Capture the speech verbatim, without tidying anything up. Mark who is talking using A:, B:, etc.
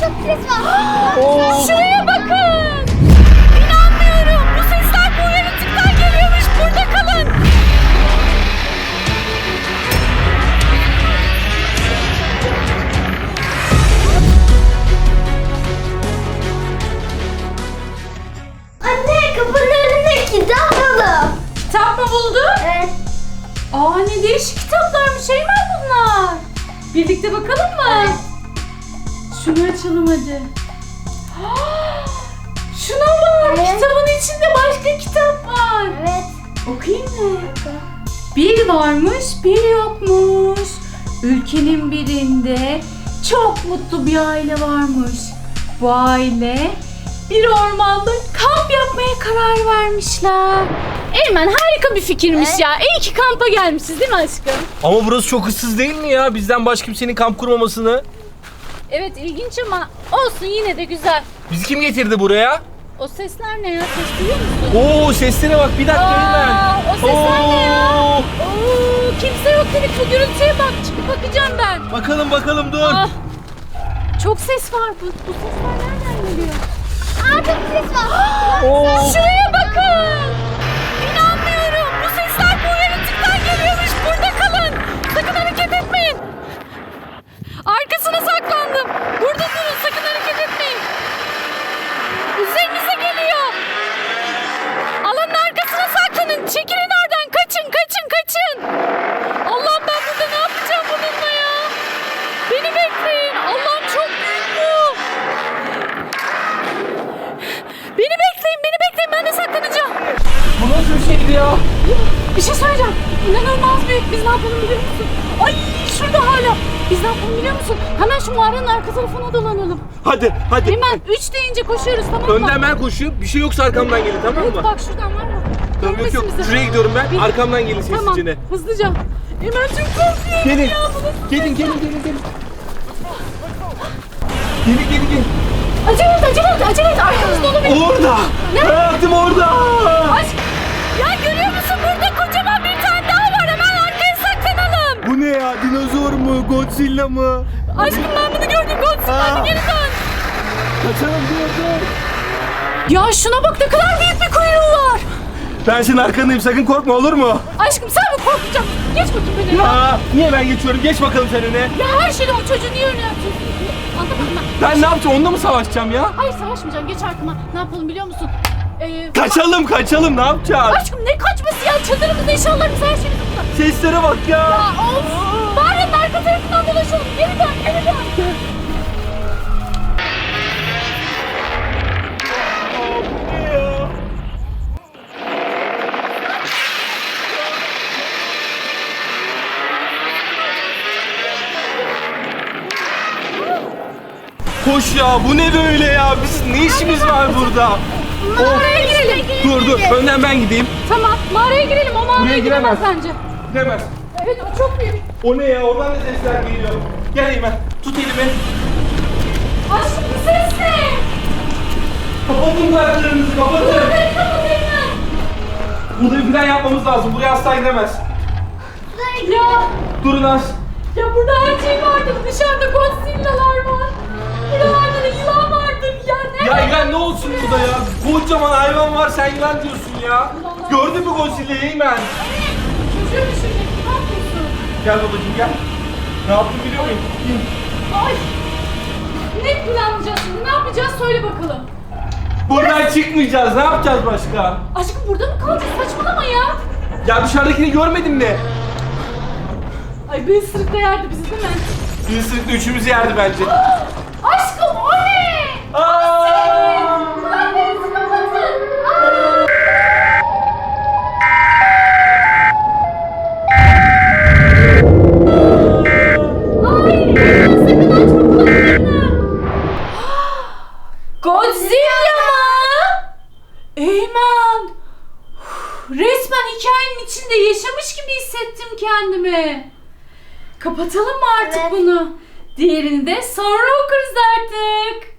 A: çok ses var.
B: Oo.
C: Şuraya bakın. İnanmıyorum. Bu sesler bu yaratıktan geliyormuş. Burada kalın.
A: Anne kapının önünde kitap buldum.
C: Kitap mı buldun?
A: Evet.
C: Aa ne değişik kitaplarmış Eymen bunlar. Birlikte bakalım mı?
A: Evet.
C: Şunu açalım hadi. Şuna bak.
A: Evet.
C: Kitabın içinde başka kitap var.
A: Evet.
C: Okuyayım mı? Bir varmış, bir yokmuş. Ülkenin birinde çok mutlu bir aile varmış. Bu aile bir ormanda kamp yapmaya karar vermişler. Eymen harika bir fikirmiş
A: Evet.
C: ya. İyi ki kampa gelmişiz değil mi aşkım?
B: Ama burası çok ıssız değil mi ya? Bizden başka kimsenin kamp kurmamasını.
C: Evet ilginç ama olsun yine de güzel.
B: Bizi kim getirdi buraya?
C: O sesler ne ya? Ses duyuyor musun?
B: Oo seslere bak bir dakika Eymen.
C: Aa, o sesler ne ya?
B: Oo.
C: Oo, kimse yok dedik bu gürültüye bak. Çıkıp bakacağım ben.
B: Bakalım bakalım dur.
C: Ah, çok ses var. Bu, bu sesler nereden geliyor?
A: Aa çok ses var.
B: Oo.
C: Şuraya bakın. İnanmıyorum. Bu sesler bu yaratıktan geliyormuş. Burada kalın. Sakın hareket etmeyin. Arkasına saklandım. Burada durun. Sakın hareket etmeyin. Üzerinize geliyor. Alanın arkasına saklanın. Çekilin oradan. Kaçın, kaçın, kaçın. Allah'ım ben burada ne yapacağım bununla ya? Beni bekleyin. Allah'ım çok büyük bu. Beni bekleyin, beni bekleyin. Ben de saklanacağım.
B: Bu nasıl bir şeydi ya?
C: Bir şey söyleyeceğim. İnanılmaz büyük. Biz ne yapalım biliyor musun? Ay şurada hala. Biz ne yapalım biliyor musun? Hemen şu mağaranın arka tarafına dolanalım.
B: Hadi hadi.
C: Hemen üç deyince koşuyoruz tamam mı?
B: Önden ben koşuyorum. Bir şey yoksa arkamdan gelin tamam
C: Evet
B: mı?
C: bak şuradan var mı?
B: Tamam yok
C: Görmesin
B: yok.
C: bizi.
B: Şuraya gidiyorum ben.
C: Bir-
B: Arkamdan gelin ses
C: Tamam
B: içine.
C: hızlıca. Hemen çok korkuyorum
B: Gelin.
C: ya. Bu nasıl-
B: Gelin gelin gelin gelin. Gelin gelin gelin.
C: Acele et acele et acele et. Arkamızda olabilir.
B: Orada. Hayatım orada.
C: Aşk. Ya görüyor musun burada kocaman bir tane daha var. Hemen arkaya saklanalım.
B: Bu ne ya? Dinozor mu? Godzilla mı?
C: Aşkım ben bunu gördüm. Godzilla
B: Aa.
C: hadi geri dön.
B: Kaçalım dur dur.
C: Ya şuna bak ne kadar büyük bir kuyruğu var.
B: Ben senin arkandayım sakın korkma olur mu?
C: Aşkım sen mi korkacaksın? Geç bakayım beni ya.
B: Aa, niye ben geçiyorum? Geç bakalım sen öne.
C: Ya her şeyde o çocuğu niye öyle yapıyorsun? Anlamadım ben.
B: Ben ne yapacağım? Onunla mı savaşacağım ya?
C: Hayır savaşmayacağım. Geç arkama. Ne yapalım biliyor musun? Ee,
B: Kaçalım kaçalım ne yapacağız?
C: Aşkım ne kaçması ya? Çadırımızda eşyalarımız her şeyimiz burada.
B: Seslere bak ya.
C: Ya of! Mağaranın arka tarafından dolaşalım. Geri dön, geri dön.
B: Bu ne ya? Koş ya bu ne böyle ya? Biz ne işimiz var burada?
C: Mağaraya girelim.
B: Dur dur önden ben gideyim.
C: Tamam, mağaraya girelim. O mağaraya
B: Buraya
C: giremez
B: giremez.
C: bence.
B: Gidemez.
C: Evet, o çok büyük.
B: O ne ya? Oradan da sesler geliyor. Gel Eymen. Tut elimi.
C: Aşkım bu ses ne?
B: Kapatın kulaklarınızı kapatın.
C: Burayı kapatayım ben.
B: Burada bir plan yapmamız lazım. Buraya asla giremez.
C: Ya,
B: Durun az.
C: ya burada her şey vardır. Dışarıda Godzilla'lar var. Buralarda da yılan vardır. Ya ne?
B: Ya İlhan ne olsun burada ya? Kocaman hayvan var sen yılan diyorsun ya. Gördün mü Godzilla'yı Eymen?
C: Çocuğu düşürecek. Ne yapıyorsun?
B: Gel babacığım gel. Ne yaptın biliyor muyum? İn.
C: Ay! Ne planlayacağız şimdi? Ne yapacağız? Söyle bakalım.
B: Buradan çıkmayacağız. Ne yapacağız başka?
C: Aşkım burada mı kalacağız? Saçmalama ya.
B: Ya dışarıdakini görmedin mi?
C: Ay bir ısırık da yerdi bizi değil mi?
B: Bir ısırıkla üçümüzü yerdi bence.
C: Aşkım o ne?
B: Aa!
C: Kulaklarınızı kapatın. Aa! Ay! Eymen sakın açma kulaklarını. Godzilla mı? Eymen! Uf, resmen hikayenin içinde yaşamış gibi hissettim kendimi. Kapatalım mı artık
A: Evet.
C: bunu? Diğerini de sonra okuruz artık.